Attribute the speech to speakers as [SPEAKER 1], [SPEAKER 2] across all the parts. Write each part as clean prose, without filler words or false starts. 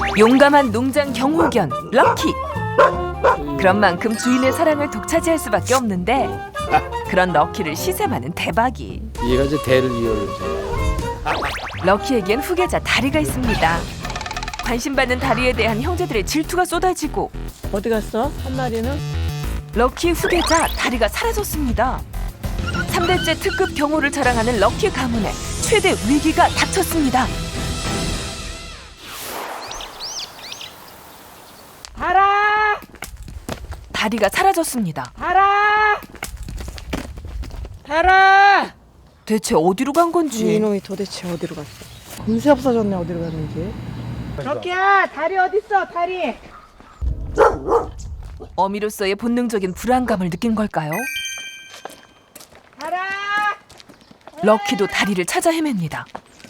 [SPEAKER 1] 용감한 농장 경호견 럭키. 그런 만큼 주인의 사랑을 독차지할 수밖에 없는데 그런 럭키를 시샘하는 대박이.
[SPEAKER 2] 얘가 이제 대를 이어를.
[SPEAKER 1] 럭키에겐 후계자 다리가 있습니다. 관심받는 다리에 대한 형제들의 질투가 쏟아지고
[SPEAKER 3] 어디 갔어? 한 마리는?
[SPEAKER 1] 럭키 후계자 다리가 사라졌습니다. 3대째 특급 경호를 자랑하는 럭키 가문에 최대 위기가 닥쳤습니다.
[SPEAKER 3] 달아!
[SPEAKER 1] 다리가 사라졌습니다.
[SPEAKER 3] 달아! 달아!
[SPEAKER 1] 대체 어디로 간 건지.
[SPEAKER 3] 이놈이 도대체 어디로 갔어? 금세 없어졌네, 어디로 갔는지. 럭키야, 다리 어딨어, 다리?
[SPEAKER 1] 어미로서의 본능적인 불안감을 느낀 걸까요?
[SPEAKER 3] 달아!
[SPEAKER 1] 럭키도 다리를 찾아 헤맵니다.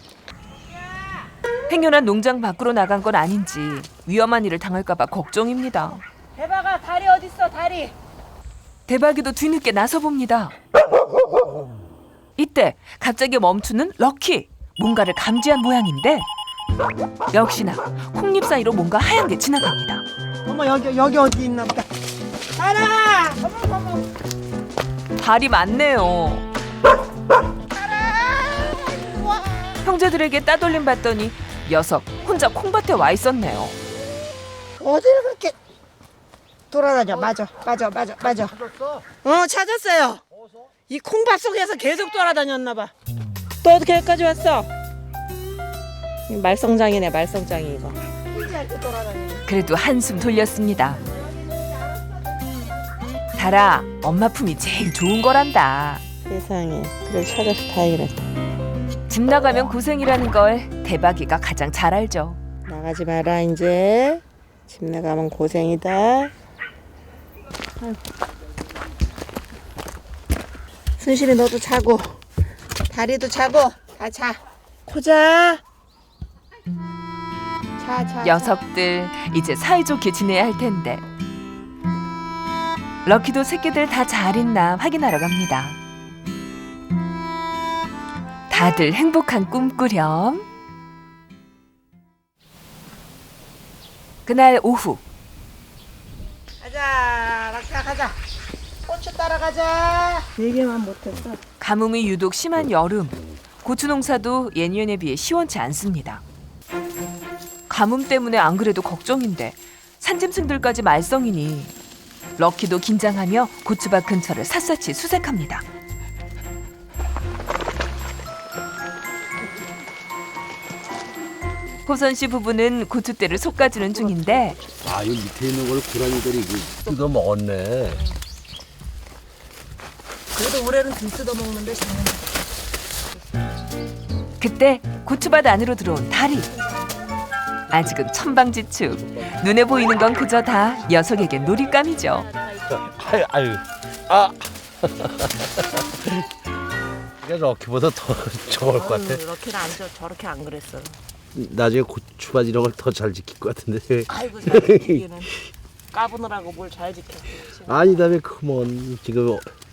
[SPEAKER 1] 행여나 농장 밖으로 나간 건 아닌지 위험한 일을 당할까 봐 걱정입니다.
[SPEAKER 3] 대박아, 다리 어딨어, 다리?
[SPEAKER 1] 대박이도 뒤늦게 나서봅니다. 이때 갑자기 멈추는 럭키. 뭔가를 감지한 모양인데 역시나 콩잎 사이로 뭔가 하얀 게 지나갑니다.
[SPEAKER 3] 어머, 여기 어디 있나 보다. 달아! 어머.
[SPEAKER 1] 발이 많네요. 형제들에게 따돌림 받더니 녀석 혼자 콩밭에 와 있었네요.
[SPEAKER 3] 어디를 그렇게 돌아다녀? 맞아. 찾았어요. 이 콩밭 속에서 계속 돌아다녔나 봐. 또 어떻게 여기까지 왔어? 말썽장이네, 말썽장이 이거.
[SPEAKER 1] 그래도 한숨 돌렸습니다. 달아, 엄마 품이 제일 좋은 거란다.
[SPEAKER 3] 세상에, 그걸 찾아서 다행이네.
[SPEAKER 1] 집 나가면 고생이라는 걸 대박이가 가장 잘 알죠.
[SPEAKER 3] 나가지 마라 이제. 집 나가면 고생이다. 순실이 너도 자고 다리도 자고 다 자. 코자. 자.
[SPEAKER 1] 녀석들 이제 사이좋게 지내야 할 텐데. 럭키도 새끼들 다 잘 있나 확인하러 갑니다. 다들 행복한 꿈꾸렴. 그날 오후
[SPEAKER 3] 가자, 락사 가자. 고추 따라가자. 4개만 못했어.
[SPEAKER 1] 가뭄이 유독 심한 여름. 고추 농사도 예년에 비해 시원치 않습니다. 가뭄 때문에 안 그래도 걱정인데 산짐승들까지 말썽이니 럭키도 긴장하며 고추밭 근처를 샅샅이 수색합니다. 호선 씨 부부는 고추대를 솎아주는 중인데
[SPEAKER 2] 아, 이 밑에 있는 걸 고라니들이 뜯어 먹었네.
[SPEAKER 3] 그래도 올해는 좀 뜯어먹는데
[SPEAKER 1] 그때 고추밭 안으로 들어온 다리. 아직은 천방지축. 눈에 보이는 건 그저 다 녀석에겐 놀잇감이죠.
[SPEAKER 2] 아유. 아. 그러니까 럭키보다 더 좋을 것 같아.
[SPEAKER 3] 럭키는 저렇게 안 그랬어.
[SPEAKER 2] 나중에 고추밭 이런 걸 더 잘 지킬 것 같은데.
[SPEAKER 3] 아이고, 잘 지키기는. 까부느라고 뭘 잘 지켜.
[SPEAKER 2] 아니다며 크면 지금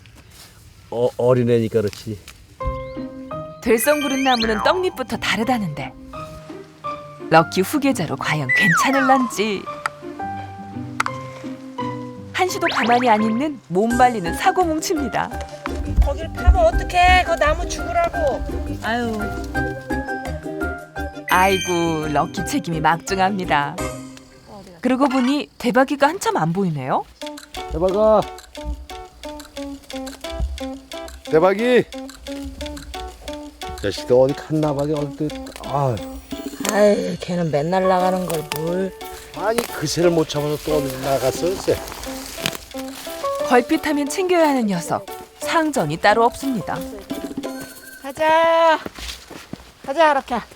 [SPEAKER 2] 어린애니까 그렇지.
[SPEAKER 1] 들썽구른 나무는 떡잎부터 다르다는데 럭키 후계자로 과연 괜찮을런지. 한시도 가만히 안 있는 몸 발리는 사고 뭉칩니다.
[SPEAKER 3] 거길 파면 어떡해. 그 나무 죽으라고. 아유.
[SPEAKER 1] 아이고, 럭키 책임이 막중합니다. 그러고 보니 대박이가 한참 안 보이네요.
[SPEAKER 2] 대박아. 대박이. 자식들 어디 갔나 봐. 어디.
[SPEAKER 3] 아이, 걔는 맨날 나가는 걸 뭘.
[SPEAKER 2] 아니 그새를 못 잡아서 또 어디 나갔어 글쎄.
[SPEAKER 1] 걸핏하면 챙겨야 하는 녀석. 상전이 따로 없습니다.
[SPEAKER 3] 가자, 이렇게. 가자.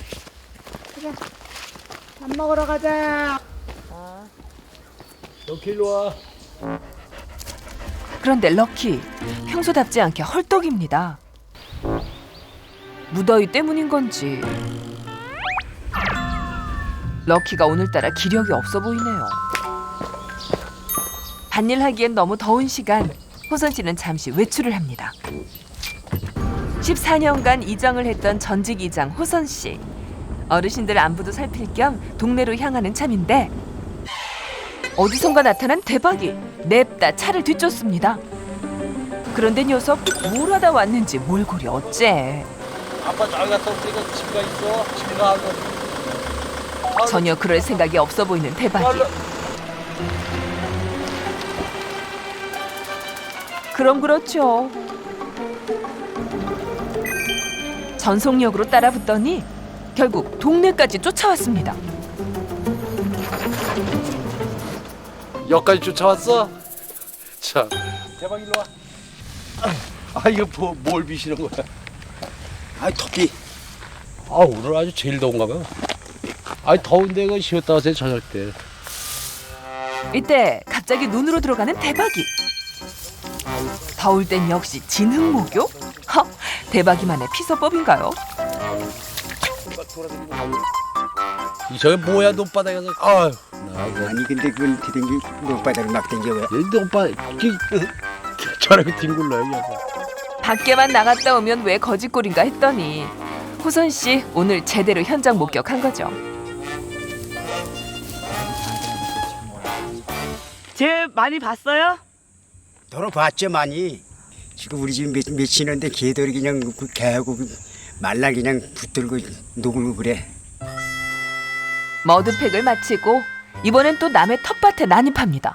[SPEAKER 3] 밥 먹으러 가자.
[SPEAKER 2] 럭키 일로 와.
[SPEAKER 1] 그런데 럭키 평소답지 않게 헐떡입니다. 무더위 때문인 건지 럭키가 오늘따라 기력이 없어 보이네요. 밭일하기엔 너무 더운 시간, 호선 씨는 잠시 외출을 합니다. 14년간 이장을 했던 전직 이장 호선 씨. 어르신들 안부도 살필 겸 동네로 향하는 참인데 어디선가 나타난 대박이 냅다 차를 뒤쫓습니다. 그런데 녀석 뭘 하다 왔는지 몰골이 어째.
[SPEAKER 2] 아빠 저기 갔다 오니까 집가 있어. 집에 가고.
[SPEAKER 1] 전혀 그럴 생각이 없어 보이는 대박이. 그럼 그렇죠. 전속력으로 따라붙더니 결국 동네까지 쫓아왔습니다.
[SPEAKER 2] 여기까지 쫓아왔어? 자, 대박 일로 와. 아 이거 뭘 비시는 거야?
[SPEAKER 4] 아, 토끼.
[SPEAKER 2] 아 오늘 아주 제일 더운가 봐. 아 더운데 그 쉬었다 와서 저녁 때.
[SPEAKER 1] 이때 갑자기 눈으로 들어가는 대박이. 더울 땐 역시 진흙목욕? 허, 대박이만의 피서법인가요?
[SPEAKER 2] 저게 뭐야 논바닥에서? 아유, 나
[SPEAKER 4] 아니, 근데 그건 디댕기 물바닥을 막 댕겨 왜?
[SPEAKER 2] 논바 저렇게 뒹굴러요.
[SPEAKER 1] 밖에만 나갔다 오면 왜 거짓골인가 했더니 호선 씨 오늘 제대로 현장 목격한 거죠.
[SPEAKER 3] 쟤 많이 봤어요?
[SPEAKER 4] 돌아봤죠, 많이. 지금 우리 집 맺히는데 개들이 그냥 그 개하고 그 말라 그냥 붙들고 누굴고 그래.
[SPEAKER 1] 머드팩을 마치고 이번엔 또 남의 텃밭에 난입합니다.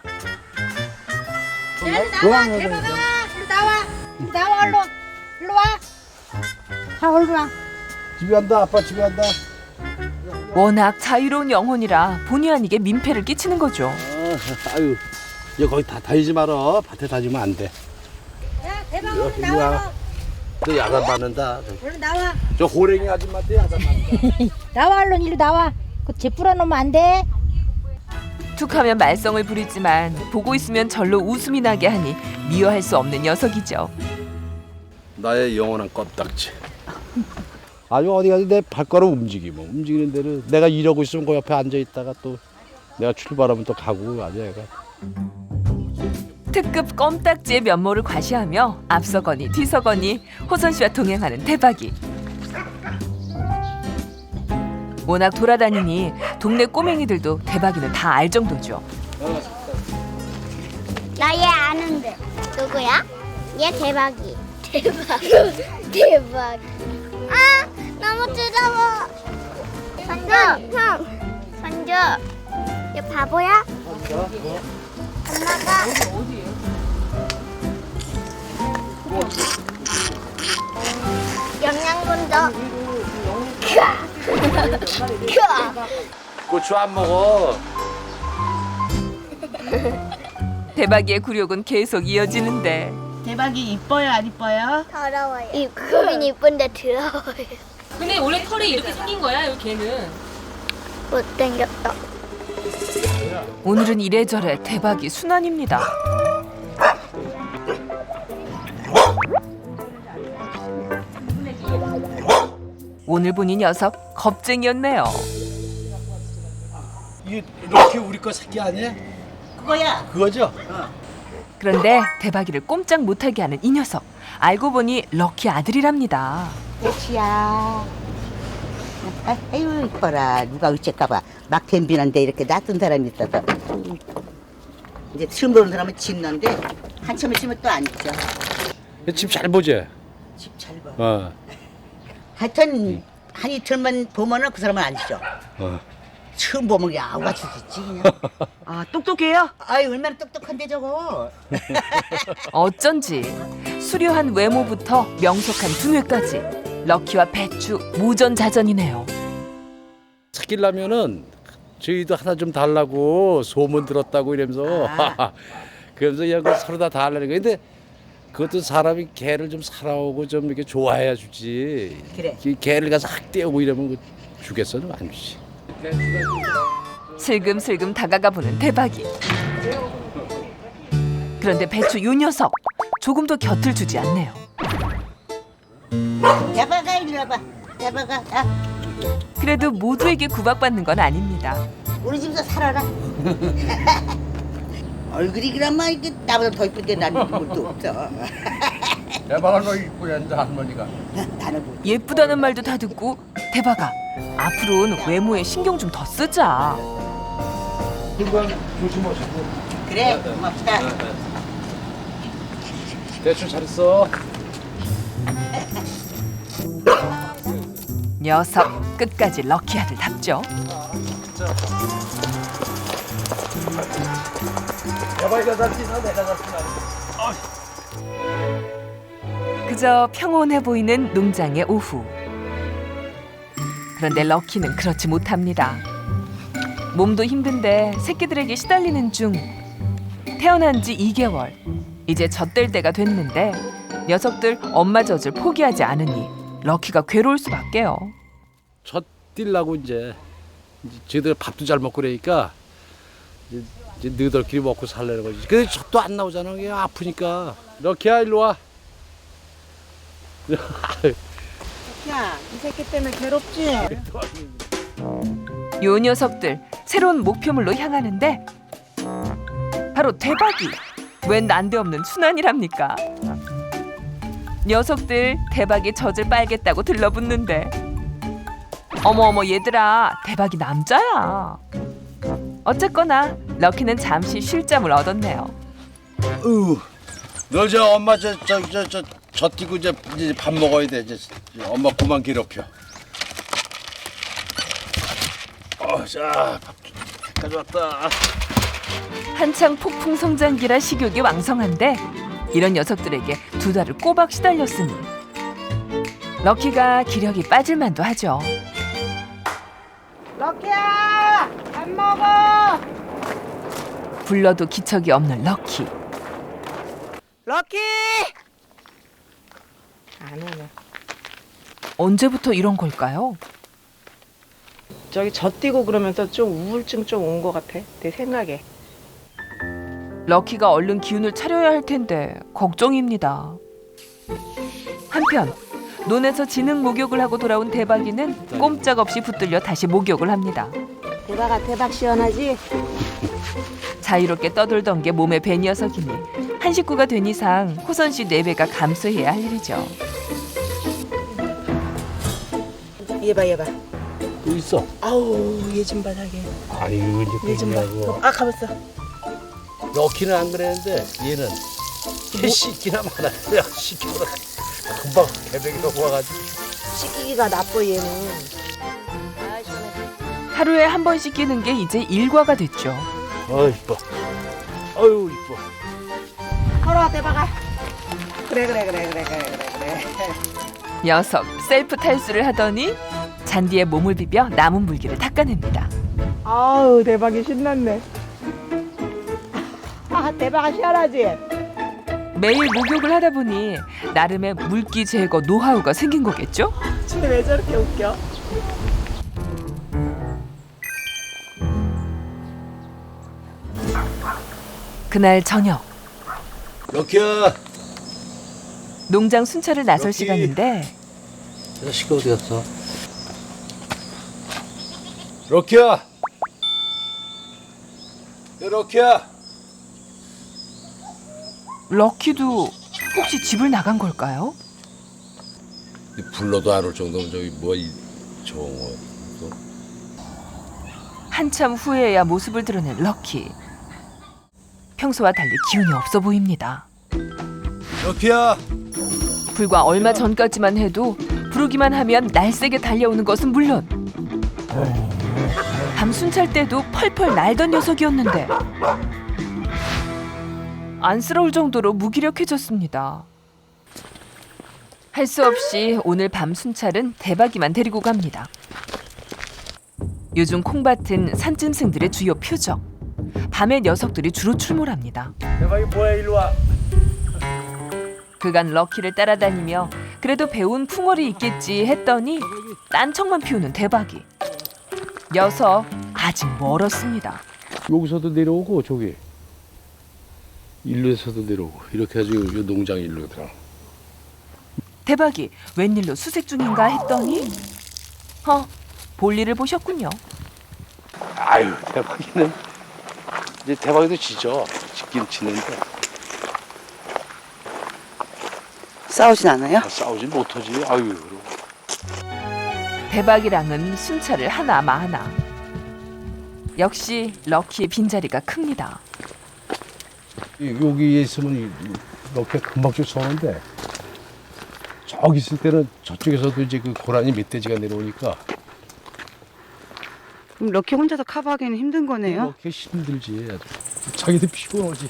[SPEAKER 5] 나와, 대박아, 일로 나와, 나와 얼른, 일로 와. 자, 얼른 와.
[SPEAKER 2] 집에 간다. 아빠 집에 간다.
[SPEAKER 1] 워낙 자유로운 영혼이라 본의 아니게 민폐를 끼치는 거죠.
[SPEAKER 2] 아유, 야 거기 다 다니지 마라. 밭에 다니면 안 돼.
[SPEAKER 5] 야, 대박아,
[SPEAKER 2] 이리
[SPEAKER 5] 얼른 나와.
[SPEAKER 2] 와. 너 야단 맞는다.
[SPEAKER 5] 얼른 나와.
[SPEAKER 2] 저 호랭이 아줌마한테 야단 맞는다.
[SPEAKER 5] 나와, 얼른 이리 나와. 그쟤 뿌려놓으면 안 돼.
[SPEAKER 1] 툭하면 말썽을 부리지만 보고 있으면 절로 웃음이 나게 하니 미워할 수 없는 녀석이죠.
[SPEAKER 2] 나의 영원한 껌딱지. 아주 어디 가서 내 발걸음 움직이는 대로 내가 이러고 있으면 그 옆에 앉아 있다가 또 내가 출발하면 또 가고 아주 애가.
[SPEAKER 1] 특급 껌딱지의 면모를 과시하며 앞서거니 뒤서거니 호선 씨와 동행하는 대박이. 워낙 돌아다니니 동네 꼬맹이들도 대박이는 다 알 정도죠.
[SPEAKER 6] 나 얘 아는데 누구야? 얘 대박이. 대박. 아 너무 뜨거워. 선조 형. 선조. 얘 바보야? 엄마가. 영양분도.
[SPEAKER 2] 고추 안 먹어.
[SPEAKER 1] 대박이의 굴욕은 계속 이어지는데
[SPEAKER 3] 대박이 이뻐요, 안 이뻐요?
[SPEAKER 6] 더러워요. 보긴 이쁜데 더러워요.
[SPEAKER 7] 근데 원래 털이 이렇게 생긴 거야, 이 개는.
[SPEAKER 6] 못생겼다.
[SPEAKER 1] 오늘은 이래저래 대박이 순환입니다. 오늘 보니 녀석 겁쟁이였네요.
[SPEAKER 2] 이게 이렇게 우리 거 새끼 아니야?
[SPEAKER 3] 그거야.
[SPEAKER 2] 그거죠?
[SPEAKER 1] 그런데 대박이를 꼼짝 못하게 하는 이 녀석. 알고 보니 럭키 아들이랍니다.
[SPEAKER 5] 대치야. 아유, 이뻐라. 누가 어째까봐 막 덤비는데 이렇게 놔둔 사람이 있어서. 이제 처음 보는 사람은 짖는데 한참 있으면 또 안 짖어.
[SPEAKER 2] 집 잘 보지?
[SPEAKER 5] 집 잘 봐.
[SPEAKER 2] 어.
[SPEAKER 5] 하여튼 한 이틀만 보면은 그 사람은 안 짖어.
[SPEAKER 2] 어.
[SPEAKER 5] 처음 보면 그냥 아우가 죽겠지 그냥.
[SPEAKER 3] 아, 똑똑해요?
[SPEAKER 5] 아이, 얼마나 똑똑한데 저거.
[SPEAKER 1] 어쩐지 수려한 외모부터 명석한 두뇌까지 럭키와 배추 무전자전이네요.
[SPEAKER 2] 사귀려면은 저희도 하나 좀 달라고 소문 들었다고 이러면서 그러면서 그냥 그 서로 다 달라는 거예요. 근데 그것도 사람이 개를 좀 살아오고 좀 이렇게 좋아해야 주지.
[SPEAKER 5] 그래.
[SPEAKER 2] 이 개를 가서 확 떼우고 이러면 그 주겠어? 좀 안 주지.
[SPEAKER 1] 슬금슬금 다가가 보는 대박이. 그런데 배추 요 녀석 조금도 곁을 주지 않네요.
[SPEAKER 5] 대박아, 이리 와봐. 대박아. 아,
[SPEAKER 1] 그래도 모두에게 구박받는 건 아닙니다.
[SPEAKER 5] 우리 집에서 살아라. 얼굴이 그나마 이게 나보다 더 이쁜데 나는 것도 없어.
[SPEAKER 2] 대박아 너 이쁘게 한다 할머니가.
[SPEAKER 5] 나는 뭐.
[SPEAKER 1] 예쁘다는 말도 다 듣고 대박아 앞으로는 외모에 신경 좀 더 쓰자.
[SPEAKER 2] 금방 조심하시고.
[SPEAKER 5] 그래, 고맙다.
[SPEAKER 2] 대충 잘했어.
[SPEAKER 1] 녀석 끝까지 럭키 아들답죠.
[SPEAKER 2] 대박이가 잡히나 내가 잡히나.
[SPEAKER 1] 그저 평온해 보이는 농장의 오후. 그런데 럭키는 그렇지 못합니다. 몸도 힘든데 새끼들에게 시달리는 중. 태어난 지 2개월. 이제 젖될 때가 됐는데 녀석들 엄마 젖을 포기하지 않으니 럭키가 괴로울 수밖에요.
[SPEAKER 2] 젖 뛸라고 이제 쟤들 밥도 잘 먹고 그러니까 이제 너희들끼리 먹고 살려는 거지. 근데 젖도 안 나오잖아. 그게 아프니까. 럭키야 일로 와.
[SPEAKER 3] 야, 이 새끼 때문에 괴롭지?
[SPEAKER 1] 요 녀석들 새로운 목표물로 향하는데 바로 대박이. 웬 난데없는 순환이랍니까? 녀석들 대박이 젖을 빨겠다고 들러붙는데 어머 얘들아, 대박이 남자야. 어쨌거나 럭키는 잠시 쉴잠을 얻었네요.
[SPEAKER 2] 너 저 엄마 저 뛰고 이제 밥 먹어야 돼. 이제 엄마 그만 괴롭혀. 자, 밥 가져왔다.
[SPEAKER 1] 한창 폭풍 성장기라 식욕이 왕성한데 이런 녀석들에게 2달을 꼬박 시달렸으니 럭키가 기력이 빠질만도 하죠.
[SPEAKER 3] 럭키야, 밥 먹어.
[SPEAKER 1] 불러도 기척이 없는 럭키.
[SPEAKER 3] 럭키. 안 오네.
[SPEAKER 1] 언제부터 이런 걸까요?
[SPEAKER 3] 저기 젖뛰고 그러면서 좀 우울증 좀 온 것 같아. 내 생각에.
[SPEAKER 1] 럭키가 얼른 기운을 차려야 할 텐데 걱정입니다. 한편 논에서 지능 목욕을 하고 돌아온 대박이는 꼼짝없이 붙들려 다시 목욕을 합니다.
[SPEAKER 3] 대박아, 대박 시원하지?
[SPEAKER 1] 자유롭게 떠돌던 게 몸에 배 녀석이니 한 식구가 된 이상 호선 씨 내외가 감수해야 할 일이죠.
[SPEAKER 3] 얘봐.
[SPEAKER 2] 또 있어.
[SPEAKER 3] 아우, 얘 좀 봐, 자기.
[SPEAKER 2] 아유 이제
[SPEAKER 3] 얘 좀 봐.
[SPEAKER 2] 그러냐고.
[SPEAKER 3] 아, 가봤어.
[SPEAKER 2] 럭키는 안 그랬는데 얘는 개 씻기나 많았어요. 씻겨서 금방 개백이 넘어가가지고.
[SPEAKER 3] 씻기기가 나빠, 얘는.
[SPEAKER 1] 하루에 한 번 씻기는 게 이제 일과가 됐죠.
[SPEAKER 2] 이뻐. 아유 이뻐.
[SPEAKER 3] 걸어, 대박아. 그래.
[SPEAKER 1] 녀석 셀프 탈수를 하더니 잔디에 몸을 비벼 남은 물기를 닦아냅니다.
[SPEAKER 3] 아우, 대박이 신났네. 아, 대박아 시원하지?
[SPEAKER 1] 매일 목욕을 하다 보니 나름의 물기 제거 노하우가 생긴 거겠죠?
[SPEAKER 3] 쟤 왜 저렇게 웃겨?
[SPEAKER 1] 그날 저녁
[SPEAKER 2] 럭키야.
[SPEAKER 1] 농장 순찰을 나설
[SPEAKER 2] 럭키.
[SPEAKER 1] 시간인데
[SPEAKER 2] 자식 어디 갔어? 럭키야. 야, 럭키야.
[SPEAKER 1] 럭키도 혹시 집을 나간 걸까요?
[SPEAKER 2] 불러도 안 올 정도면 저기 뭐이 정원.
[SPEAKER 1] 한참 후에야 모습을 드러낸 럭키. 평소와 달리 기운이 없어 보입니다.
[SPEAKER 2] 럭키야.
[SPEAKER 1] 불과 얼마 전까지만 해도 부르기만 하면 날쌔게 달려오는 것은 물론 밤 순찰 때도 펄펄 날던 녀석이었는데 안쓰러울 정도로 무기력해졌습니다. 할 수 없이 오늘 밤 순찰은 대박이만 데리고 갑니다. 요즘 콩밭은 산짐승들의 주요 표적. 밤에 녀석들이 주로 출몰합니다.
[SPEAKER 2] 대박이 뭐야 일로 와.
[SPEAKER 1] 그간 럭키를 따라다니며 그래도 배운 풍월이 있겠지 했더니 딴청만 피우는 대박이. 녀석 아직 멀었습니다.
[SPEAKER 2] 여기서도 내려오고 저기 일로에서도 내려오고 이렇게 해서 요 농장 일로 들어.
[SPEAKER 1] 대박이 웬일로 수색 중인가 했더니 볼일을 보셨군요.
[SPEAKER 2] 아유 대박이는 이제 대박이도 지죠. 짓긴 지는데
[SPEAKER 5] 싸우진 않아요?
[SPEAKER 2] 싸우진 못하지. 아유.
[SPEAKER 1] 대박이랑은 순찰을 하나마하나. 역시 럭키의 빈자리가 큽니다.
[SPEAKER 2] 여기에 있으면 이렇게 금방 쫓아오는데 저기 있을 때는 저쪽에서도 이제 그 고라니 멧돼지가 내려오니까
[SPEAKER 3] 그럼 럭키 혼자서 커버하기는 힘든 거네요.
[SPEAKER 2] 이렇게 힘들지. 자기도 피곤하지.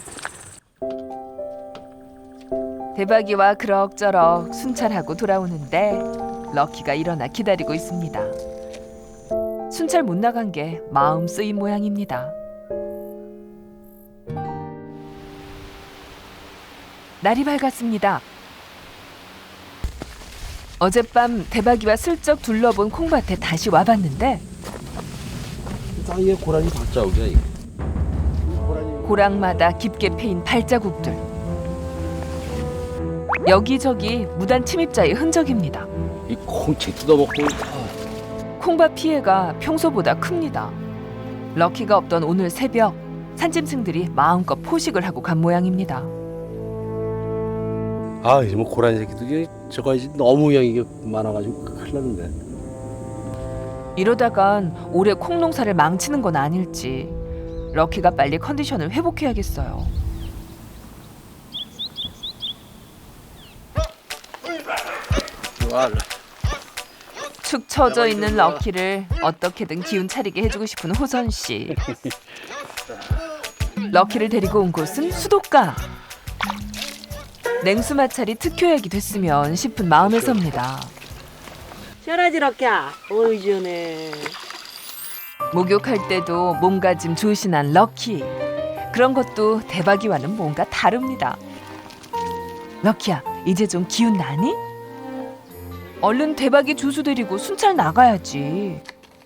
[SPEAKER 1] 대박이와 그럭저럭 순찰하고 돌아오는데 럭키가 일어나 기다리고 있습니다. 순찰 못 나간 게 마음 쓰인 모양입니다. 날이 밝았습니다. 어젯밤 대박이와 슬쩍 둘러본 콩밭에 다시 와봤는데
[SPEAKER 2] 땅에 고라니 발자국이야 이거.
[SPEAKER 1] 고랑마다 깊게 패인 발자국들. 여기저기 무단 침입자의 흔적입니다.
[SPEAKER 2] 이 콩채 뜯어먹고
[SPEAKER 1] 콩밭 피해가 평소보다 큽니다. 럭키가 없던 오늘 새벽 산짐승들이 마음껏 포식을 하고 간 모양입니다.
[SPEAKER 2] 아, 뭐 고라니 새끼들이 저거 이제 너무 양이 많아가지고 큰일 났는데.
[SPEAKER 1] 이러다간 올해 콩 농사를 망치는 건 아닐지 럭키가 빨리 컨디션을 회복해야겠어요. 축 처져 있는 럭키를 어떻게든 기운 차리게 해주고 싶은 호선 씨. 럭키를 데리고 온 곳은 수도가. 냉수 마찰이 특효약이 됐으면 싶은 마음에서입니다.
[SPEAKER 3] 시원하지 럭키야? 어이 시원해.
[SPEAKER 1] 목욕할 때도 몸가짐 조신한 럭키. 그런 것도 대박이와는 뭔가 다릅니다. 럭키야, 이제 좀 기운 나니? 얼른 대박이 조수 데리고 순찰 나가야지.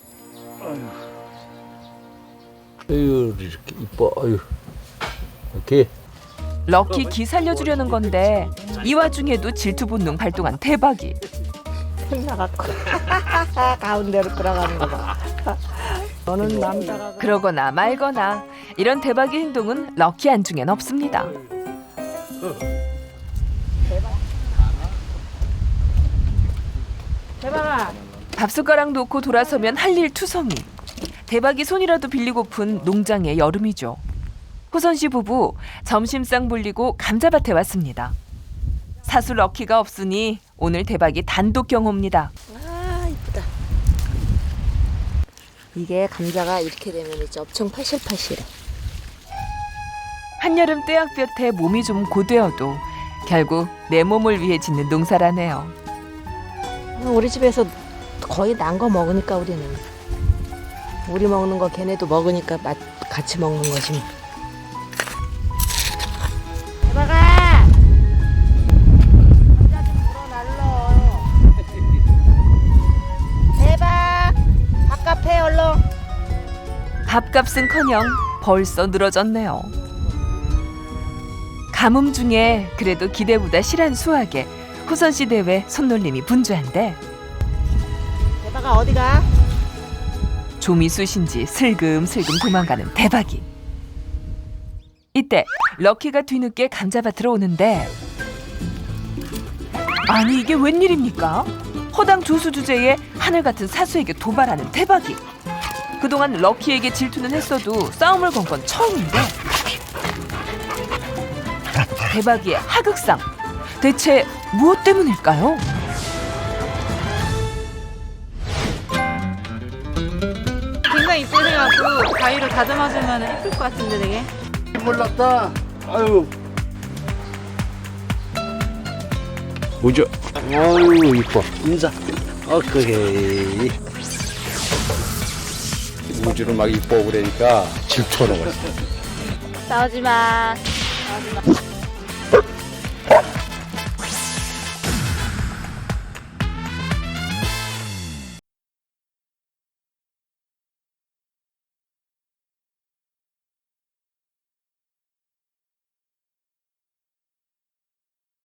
[SPEAKER 2] 아유, 이렇게 이뻐. 아유, 이렇게.
[SPEAKER 1] 럭키 기 살려주려는 건데 이 와중에도 질투 본능 발동한 대박이.
[SPEAKER 3] 나갔고 가운데로 들어가는 거 봐. 너는 남자가
[SPEAKER 1] 그러거나 말거나 이런 대박의 행동은 럭키 안중엔 없습니다.
[SPEAKER 3] 대박아.
[SPEAKER 1] 밥숟가락 놓고 돌아서면 할 일 투성이. 대박이 손이라도 빌리고픈 농장의 여름이죠. 호선 씨 부부 점심상 불리고 감자밭에 왔습니다. 사수 럭키가 없으니 오늘 대박이 단독 경호입니다.
[SPEAKER 7] 아 이쁘다. 이게 감자가 이렇게 되면 이제 엄청 파실파실해.
[SPEAKER 1] 한여름 떼약볕에 몸이 좀 고되어도 결국 내 몸을 위해 짓는 농사라네요.
[SPEAKER 7] 우리 집에서 거의 난 거 먹으니까 우리는 우리 먹는 거 걔네도 먹으니까 같이 먹는 거지 뭐.
[SPEAKER 3] 대박아. 감자 좀 물어날러. 대박. 밥값 해 얼른.
[SPEAKER 1] 밥값은커녕 벌써 늘어졌네요. 가뭄 중에 그래도 기대보다 실한 수확에 호선 씨 대회 손놀림이 분주한데
[SPEAKER 3] 대박아 어디가?
[SPEAKER 1] 좀이 쑤신지 슬금슬금 도망가는 대박이. 이때 럭키가 뒤늦게 감자밭으로 오는데 아니 이게 웬일입니까? 허당 조수 주제에 하늘 같은 사수에게 도발하는 대박이. 그동안 럭키에게 질투는 했어도 싸움을 건 건 처음인데 대박이의 하극상. 대체 무엇 때문일까요?
[SPEAKER 3] 굉장히 이쁘셔갖고 가위로 다듬어주면 예쁠 것 같은데 되게.
[SPEAKER 2] 몰랐다. 아유. 뭐죠? 아유, 이뻐. 인사. 그래. 우주를 막 이뻐 그러니까 질투하는 거지.
[SPEAKER 7] 싸우지 마. 싸우지 마.